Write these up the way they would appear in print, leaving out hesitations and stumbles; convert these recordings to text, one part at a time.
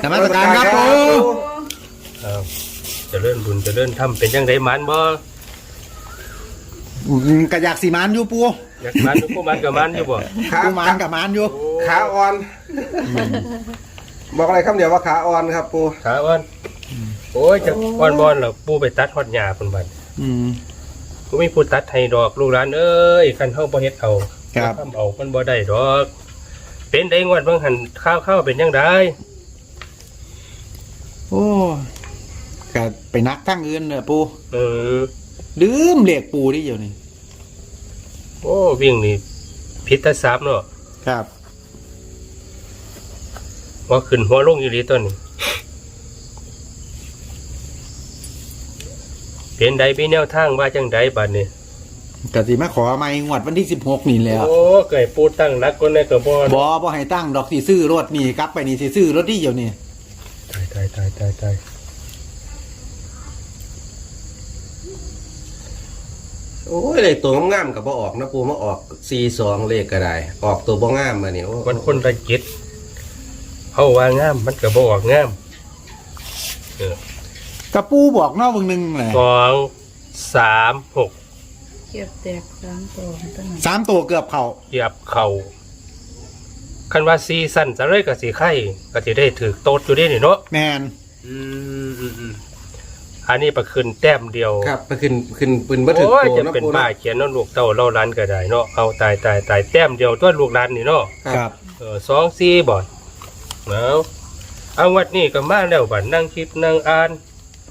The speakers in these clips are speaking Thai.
นมัสการครับปูจะเลื่อนบุญจะเลื่อนทำเป็นยังไงมันบ่กะอยากสีมันอยู่ปูอยากมันอยู่ปูมันกับมันอยู่บ่ปูมันกับมันอยู่ขาอ่อนบอกอะไรคำเดียวว่าขาอ่อนครับปูขาอ่อนโอ้ยจะอ่อนบอลเหรอปูไปตัดฮอดหญ้าเพิ่นบัดกูไม่พูดตัดให้ดอกลูกหลานเอ้ยคันเฮาบ่เฮ็ดเอาครับทำเอามันบ่ได้ดอกเป็นได้งวดเบิ่งหันข้าวเป็นยังไงโอ้กะไปนักทั้งอื่นเนี่ยปูลืมเรียกปูที่อยู่นี่โอ้วิ่งนี่พิษทรัพย์เนาะครับว่าขึ้นหัวลงอยู่ดีต้นนี่เป็นใดมีแนวทางว่าจังใดบัดนี้กะสิมาขอไม่งวดวันที่16นี่แล้วโอ้เกิดปูตั้งนักคนในตัวบ่ให้ตั้งดอกสิซื้อรถนี่กลับไปนี่สิซื้อรถที่อยู่นี่ตายโอ้ยเลขตัวงามกับบ่ออกนะปูมาออก42เลขก็ได้ออกตัวบ่งามมาเนี่ยมันคนละจิตเขาว่างามมันก็บ่ออกงามกระปูบอกนอกวงหนึ่งแหละ 2 3 6 เก็บแตก 3 ตัวเกือบเข่าคันว่าซีซั่นจะเลยกับสีไข่ก็จะได้ถือโต๊ดอยู่ได้นี่เนาะแมนอันนี้ประคืนแต้มเดียวครับประคืนปืนบัตรโอ้ยจะเป็นป้าเขียนน้องลูกเต้าเล่าร้านก็ได้เนาะเอาตายแต้มเดียวตัวลูกร้านนี่เนาะครับ 2 4บ่เอาวัดนี้ก็มาแล้วบัดนั่งคิดนั่งอ่าน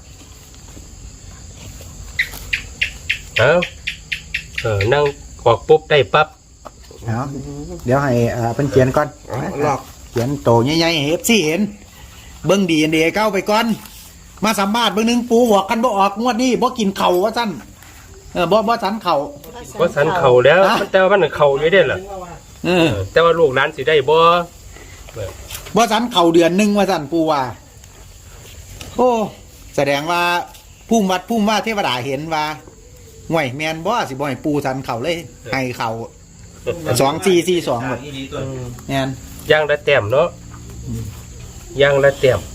นั่งออกปุ๊บได้ปั๊บเดี๋ยวให้เพิ่นเขียนก่อนเขียนโตใหญ่ๆให้ FC เห็นเบิ่งดีเก้าไปก่อนมาสัมภาษณ์เบิ่งนึงปูบอกกันบ่ออกงวดนี้บ่กินเข่าว่าซั่นบ่สันเข่าบ่สันเข่าแล้วแต่ว่ามันเข่าอยู่ได้ล่ะแต่ว่าลูกหลานสิได้บ่สันเข่าเดือนนึงว่าซั่นปูว่าโอ้แสดงว่าภูมิวัดภูมิว่าเทวดาเห็นว่าห่วยแมนบ่สิบ่ให้ปูสันเข่าเลยให้เข่า2442แบบแมนย่างละแต้มเนาะย่างละแต้ม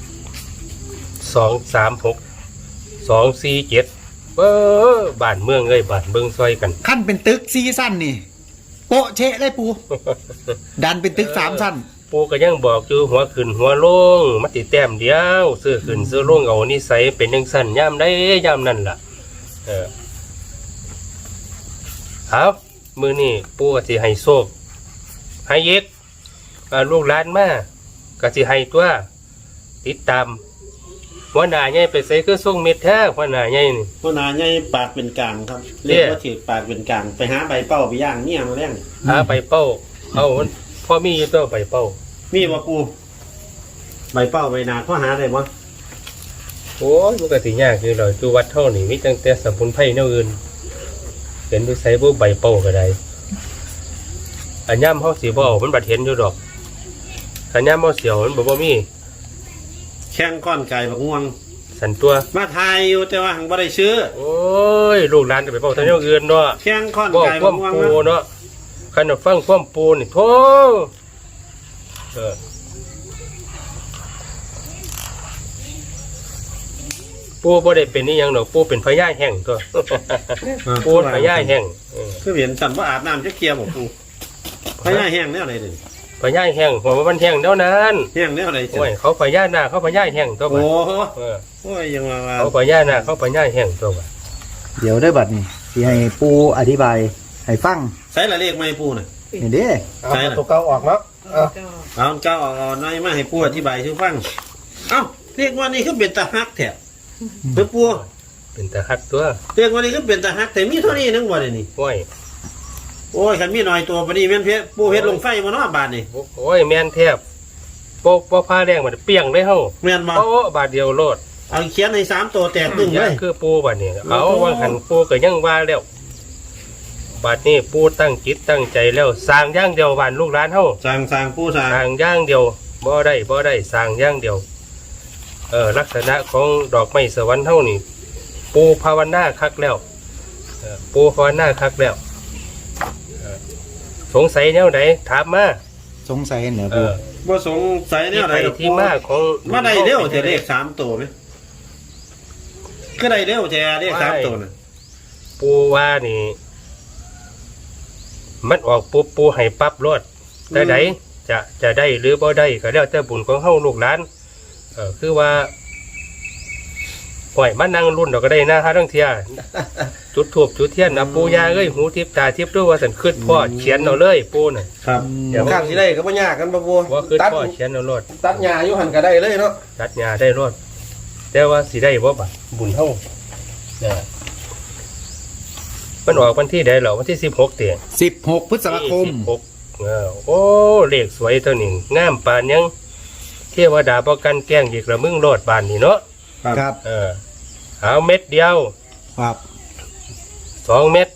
2 3 6 2 4 7บ้านเมืองเอ้ยบ้านเบิ่งซอยกันขั้นเป็นตึก4ชั้นนี่โปะเชะเลยปูดันเป็นตึก3ชั้นปูก็ยังบอกอยู่หัวขึ้นหัวลงมาติแต้มเดียวซื้อขึ้นซื้อลงเอานิสัยเป็นจังซั่นยามใดยามนั้นล่ะเอามื้อนี้ปูก็สิให้โชคให้เยกลูกหลานมาก็สิให้ตัวติดตามหัวหน้าใหญ่ไปใส่คือส่งเม็ดแท้หัวหน้าใหญ่นี่หัวหน้าใหญ่ปากเป็นกลางครับเรียกว่าถือปากเป็นกลางไปหาใบเป้าไปย่างเนี่ยมาแล้งหาใบเป้าเอาพ่อมีอยู่ตัวใบเป้ามีบ่ปูใบเป้าใบนาข้อหาได้บ่โอ้ยมันก็สิยากคือเราจูวัดเท่านี่มีตั้งแต่สมุนไพรแนวอื่นเป็นไปใส่บ่ใบเป้าก็ได้อันย่ำเฮาสิบ่เอามันบัดเห็นอยู่ดอกอันย่ำเฮาเสียวมันบ่มีแข้งก้อนไก่บักง่วงสันตัวมาทายอยู่แต่ว่าหังบ่ได้ซื้อโอ้ยลูกหลานจะไปเป้าทางแนวอื่นเนาะแข้งก้อนไก่บักง่วงเนาะคันฟังความปูนี่โธ่ปูบ่ได้เป็นนี่ยังดอกปูเป็นพญาแห้งตัวปูพญาแห้งคือเห็นสั่นว่าอาบน้ำจะเคลียร์บ่ปูพญาแห้งแนวไหนดิพญาแห้งหัวมันแห้งเท่านั้นแห้งแนวไหนโอ้ยเขาพญาหน้าเขาพญาแห้งตัวบ่โอ้ยยังว่าเขาพญาหน้าเขาพญาแห้งตัวบ่เดี๋ยวได้บัดนี้สิให้ปูอธิบายให้ฟังใส่ละเลขไหมปูน่ะนี่เด้ใส่ตัวเก่าออกแล้วเอาเก่าออกหน่อยมาให้ปูอธิบายให้ฟังเอ้าเลขว่านี่คือเป็นตาฮักแท้เพิ่นปูเป็นตาฮักตัวเลขว่านี่คือเป็นตาฮักแต่มีเท่านี้นึงบ่ได้นี่โอ้ยคันมีหน่อยตัวปานนี้แม่นเพชรปูเฮ็ดลงไฟบ่เนาะบาดนี่โอ้ยแม่นแทบโป๊ะผ้าแดงมันเปียงเลยเฮาแม่นบ่โอ้บาดเดียวโลดเอาเขียนให้3ตัวแตกตึ้งเลยคือปูบัดนี้เอาว่าหันปูก็ยังว่าแล้วบัดนี้ปูตั้งจิตตั้งใจแล้วสร้างอย่างเดียวบ้านลูกหลานเฮาสร้างปูสร้างอย่างเดียวบ่ได้สร้างอย่างเดียวลักษณะของดอกไม้สวรรค์เฮานี่ปูภาวนาคักแล้วปูภาวนาคักแล้วสงสัยแนวไหนถามมาสงสัยเหรอเอปูอบ่สงสัยแนที่วไปใดดอกที่มาของมาได้เร็วแต่เลข3ตัวไหมก็ได้เร็วแต่เลข3ตัวน่ะปูว่านี่ มันออกปุ๊บปูให้ปั๊บรถแต่ไหนจะได้หรือบ่ได้ก็แล้วแต่บุญของเฮาลูกหลานคือว่าห่วยมานั่งรุ่นเราก็ได้นะฮะทั้งเทีย จุดทูบจุดเทียนนะปูยาเอ้ยหูทิพตาทิพด้วยว่าสันขึ้นพ่อเขียนเอาเลยปูน่ะครับเดี๋ยวข้างสิได้ก็บ่ยากกันบ่ปูว่าขึ้นตัดพ่อเขียนเอารถตัดหญ้าอยู่หั่นก็ได้เลยเนาะตัดหญ้าได้รถแต่ว่าสิได้บ่บัดบุญเฮาเนี่ยมันออกวันที่ใดเหรอวันที่16เตีย 16 พฤษภาคม 16โอ้เลขสวยตัวนี้งามปานยังเทวดาประกันแกล้งอีกละมึงโลดบานนี่เนาะครับเอาเม็ดเดียวครับ 2 เม็ด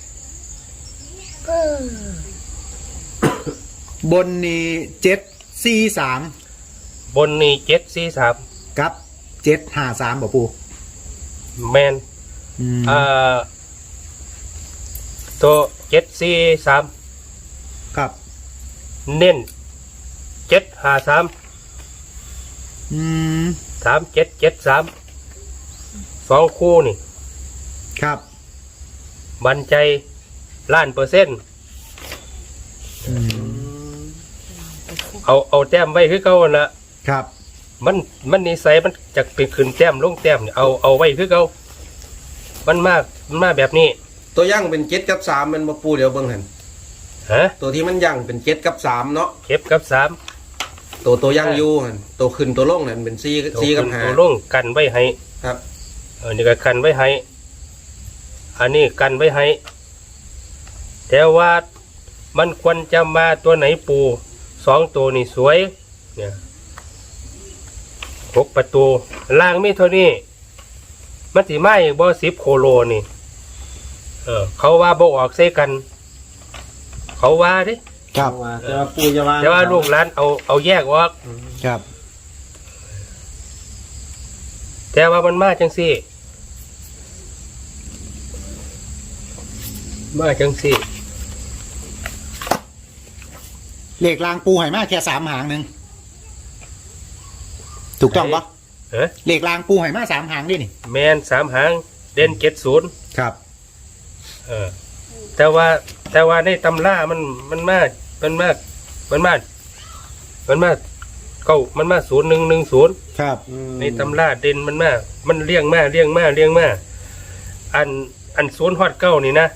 บนนี่743 บนนี่743 กับ753บ่ปูแมนอืมตัว743 ครับเน้น753 อืม 3773 2คู่นี่ครับมั่นใจ1,000,000% อืมเอาแต้มไว้คือเก่านั่นละครับมันนิสัยมันจะเป็นขึ้นแต้มลงแต้มเนี่ยเอาไว้คือเก่ามันมาแบบนี้ตัวย่างเป็น7กับ3มันบ่ปูเดี๋ยวเบิ่งหั่นฮะตัวที่มันย่างเป็น7กับ3เนาะเก็บกับ3 ตัวย่างอยู่หั่นตัวขึ้นตัวลงนั่นเป็น4 4กับตัวลงกันไว้ให้ 5ครับนี่ก็กันไว้ให้อันนี้กันไว้ให้แต่ว่ามันควรจะมาตัวไหนปู2ตัวนี่สวยเนี่ย6 ประตูล่างไม่เท่านี้มันสิมาอีกบ่10 โคโลนี่เขาว่าบ่ออกใส่กัน เขาว่าดิครับแต่ว่าปู่จะว่าแต่ว่าลูกหลานเอาแยกออกครับแต่ว่ามันมาจังซี่มาจังซี่เลขรางปูให้มาแค่3 หางหนึงถูกต้องปะเอ๊ะเลขรางปูให้มา3 หางดินี่แมน3 หางเด่น70 ครับแต่ว่าในตำรามันมาเก้ามันมา0110 ครับในตำราเด่นมันเลี้ยงมาอัน0 ฮอด 9นี่นะ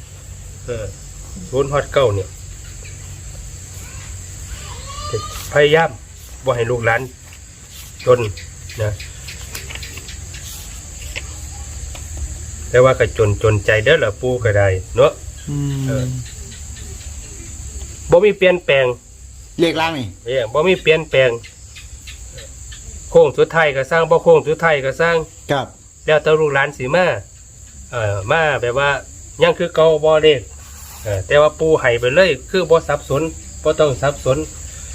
0 ฮอด 9เนี่ยพยายามบ่ให้ลูกหลานจนนะแต่ว่าก็จนใจเด้อล่ะปู่ก็ได้เนาะอืมบ่มีเปลี่ยนแปลงเลขรางนี่บ่มีเปลี่ยนแปลงโค้งสุดท้ายก็สร้างบ่โค้งสุดท้ายก็สร้างครับแล้วแต่ลูกหลานสิมามาแบบว่ายังคือเก่าบ่เด้แต่ว่าปู่ให้ไปเลยคือบ่สับสนบ่ต้องสับสน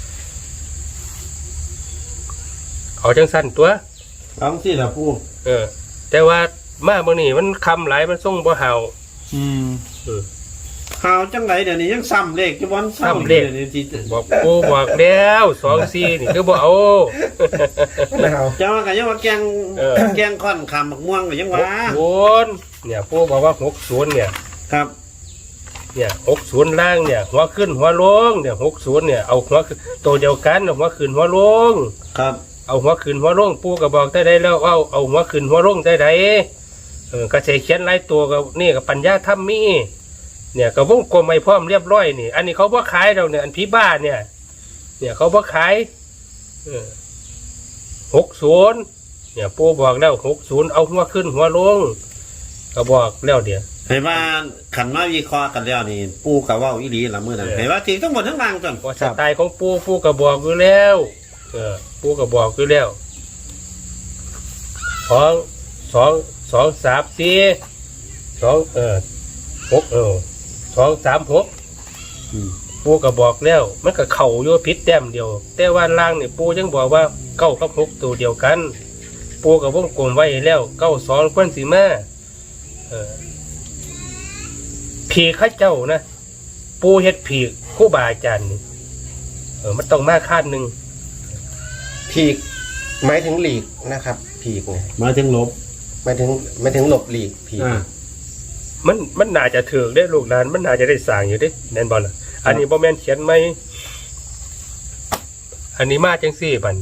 เอาจังสั้นตัวเอาสิล่ะปู่แต่ว่ามาเมื่อนี้มันคำหลายมันส่งบ่เห่าอืมข่าวจังไหนเดี๋ยวนี้ยังซ้ำเลขจะวันซ้ำเลขดี๋ยวนี้ที่บอกปูบอกแล้ว2-4นี่คือบ่เอานะครับจะว่ากันยังว่าแกงค่อนคำบักม่วงก็ยังว่า 60เนี่ยปูบอกว่า60เนี่ยครับเนี่ย60ล่างเนี่ยหัวขึ้นหัวลงเนี่ย60เนี่ยเอาหัวขึ้นตัวเดียวกันเอาหัวขึ้นหัวลงครับเอาหัวขึ้นหัวลงปูก็บอกได้แล้วเอาหัวขึ้นหัวลงได้ก็ใช้เขียนหลายตัวก็นี่ก็ปัญญาธรรมมีเนี่ยก็วงกลมไว้พร้อมเรียบร้อยนี่อันนี้เขาบ่ขายเราเนี่ยอันพี่บ้านเนี่ยเขาบ่ขาย60เนี่ยปูบอกแล้ว60เอาหัวขึ้นหัวลงก็บอกแล้วเดี๋ยวเห็นว่าขันมาวิเคราะห์กันแล้วนี่ปู่กับว่าอีหลีละมื้อนั้นเห็นว่าทีทั้งหมดทั้งรางจนพอสไตล์ของปูก็บอกอยู่แล้วปูก็บอกอยู่แล้ว236ปูก็บอกแล้วมันก็เข่าโยพิษแต้มเดียวแต่ว่าล่างเนี่ยปูยังบอกว่า9 กับ 6ตัวเดียวกันปูกับวงกลมไว้แล้ว92ควรสิมาผีข้าเจ้านะปูเฮ็ดผีครูบาอาจารย์นี่มันต้องมาคาดหนึ่งพีกหมายถึงหลีกนะครับพีกเนี่ยมาถึงลบหมายถึงหลบหลีกพีกมันน่าจะถือได้ลูกหลานมันน่าจะได้สร้างอยู่ได้แน่นบอลล่ะอันนี้บ่แม่นเขียนไหมอันนี้มาจังซี่บัดนี้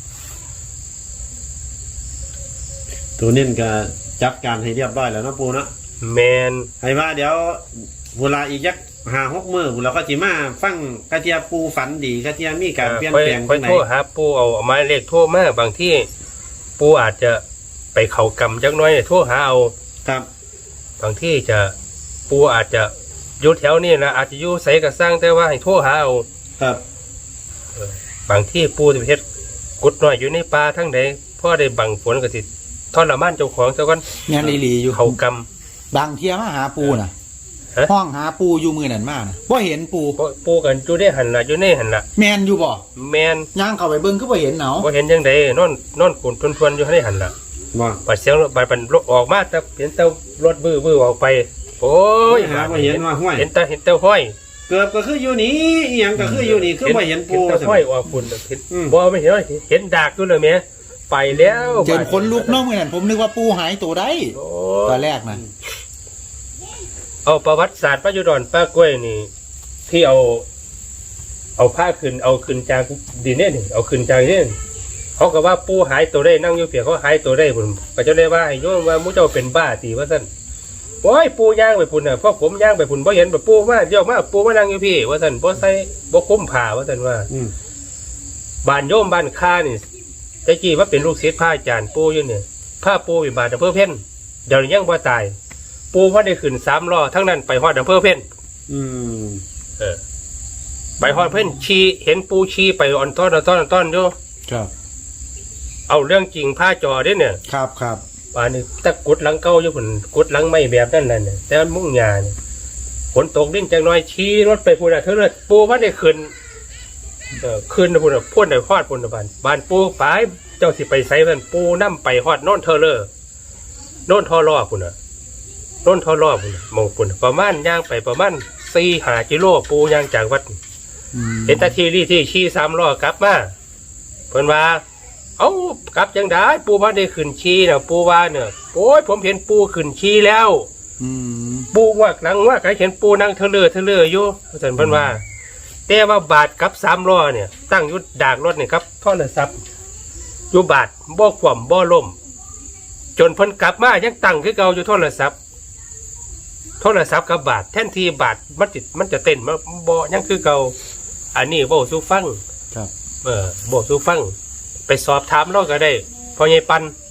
ตัวนี้ก็จัดการให้เรียบร้อยแล้วเนาะปูเนาะแมนให้ว่าเดี๋ยวเวลาอีกยัก5-6 มื้อเราก็สิมาฟังกระเทียปูฝันดีกระเทียมีการเปลี่ยนแปลงค่อยไหนโทรหาปู่เอาหมายเลขโทรมาบางที่ปู่อาจจะไปเข้ากรรมจักหน้อยโทรหาเอาครับบางที่จะปู่อาจจะอยู่แถวนี้นะอาจจะอยู่ไสก็สร้างแต่ว่าให้โทรหาเอาครับบางที่ปู่จะไปเฮ็ดกุดน้อยอยู่ในป่าทั้งใดพอได้บังฝนก็สิทรมานเจ้าของซะก่อนแม่นอีหลีอยู่เข้ากรรมบางเที่ยมาหาปูน่ะฮะห้องหาปูอยู่มือนั่นมาน่ะบ่เห็นปูเพราะปู่กันอยู่ในหันล่ะอยู่ในหันล่ะแม่นอยู่บ่แมนย่างเข้าไปเบิ่งก็บ่เห็นเนาะบ่เห็นจังไดนอนกุนทวนๆอยู่ในหันล่ะบ่บัดเสียงบัดมันออกมาแต่เห็นแต่รถบื้อออกไปโอ้ยหาบ่เห็นว่าห้วยเห็นแต่ห้อยเกือบก็คืออยู่นี่อีหยังก็คืออยู่นี่คือบ่เห็นปูเห็นแต่ห้อยออกฝุ่นเห็นอืมบ่ไม่เห็นว่าเห็นดากอยู่เลยแม่ไปแล้วเจนคนลุกเนาะมื้อนั้นผมนึกว่าปูหายตัวได้โอ้ตอนแรกน่ะเอาประวัติศาสตร์ป้ายุดอนป้ากล้วยนี่ ที่เอาผ้าขึ้นเอาขึ้นจากดินเนี่ยนี่เอาขึ้นจากเนี่ยเขาก็ว่าปูหายตัวได้นั่งอยู่เปียกเขาหายตัวได้ผมก็จะได้ว่าให้โยมว่ามุเจ้าเป็นบ้าตีว่าซั่นโอ้ยปูย่างไปพุ่นน่ะเพราะผมย่างไปพุ่นบ่เห็นแบบปูมาเดี๋ยวมาปูมานั่งอยู่พี่ว่าซั่นบ่ใส่บ่คุ้มผ้าว่าซั่นว่าอืมบ้านโยมบ้านค้านี่ตะกี้ว่าเป็นลูกศิษย์พระอาจารย์ปูอยู่เนี่ยพระปูอยู่บ้านอำเภอเพ่นเดี๋ยวนี้ยังบ่ตาย ปูว่าได้ขึ้น3 ล้อทั้งนั้นไปฮอดอำเภอเพ่นอืมไปฮอดเพ่นชีเห็นปูชีไปอ่อนต้อนอยู่ครับเอาเรื่องจริงผ้าจอเด้เนี่ยครับครับป่านนี้ตะกุดหลังเก่าอยู่พุ่นกุดหลังไม่แบบนั้นน่ะเนี่ยแต่มันมุ่งหญ้าเนี่ยฝนตกดิ้นจังน้อยชี้รถไปพุ่นน่ะเท่านั้นปูว่าได้ขึ้นขึ้นนะพุ่นน่ะพ่นได้ฮอดพุ่นน่ะบ้านปูไปเจ้าสิไปไสนั่นปูนำไปฮอดโน่นเทอเลอร์โน่นทอล้อพุ่นน่ะโน่นทอล้อพุ่นน่ะหมองพุ่นน่ะประมาณย่างไปประมาณ4-5 กิโลปูย่างจากวัดอืมเห็นตาทีรี่ที่ชี้3 ล้อกลับมาเพิ่นว่าเอ้ากลับจังได้ปูว่าได้ขึ้นชี้น่ะปูว่าเนี่ยโอ้ยผมเห็นปูขึ้นชี้แล้วอืมปูว่าหลังว่าใครเห็นปูนั่งเทเลออยู่เพิ่นว่าแต่ว่าบาทกับ3 ล้อเนี่ยตั้งอยู่ดากรถนี่ครับโทรศัพท์อยู่บาทบ่คว่ำบ่ล่มจนเพิ่นกลับมายังตั้งคือเก่าอยู่โทรศัพท์กับบาทแทนที่บาทมันจะเต้นมาบ่ยังคือเก่าอันนี้บ่สู่ฟังครับบ่สู่ฟังไปสอบถามเราก็ได้พ่อใหญ่ปัน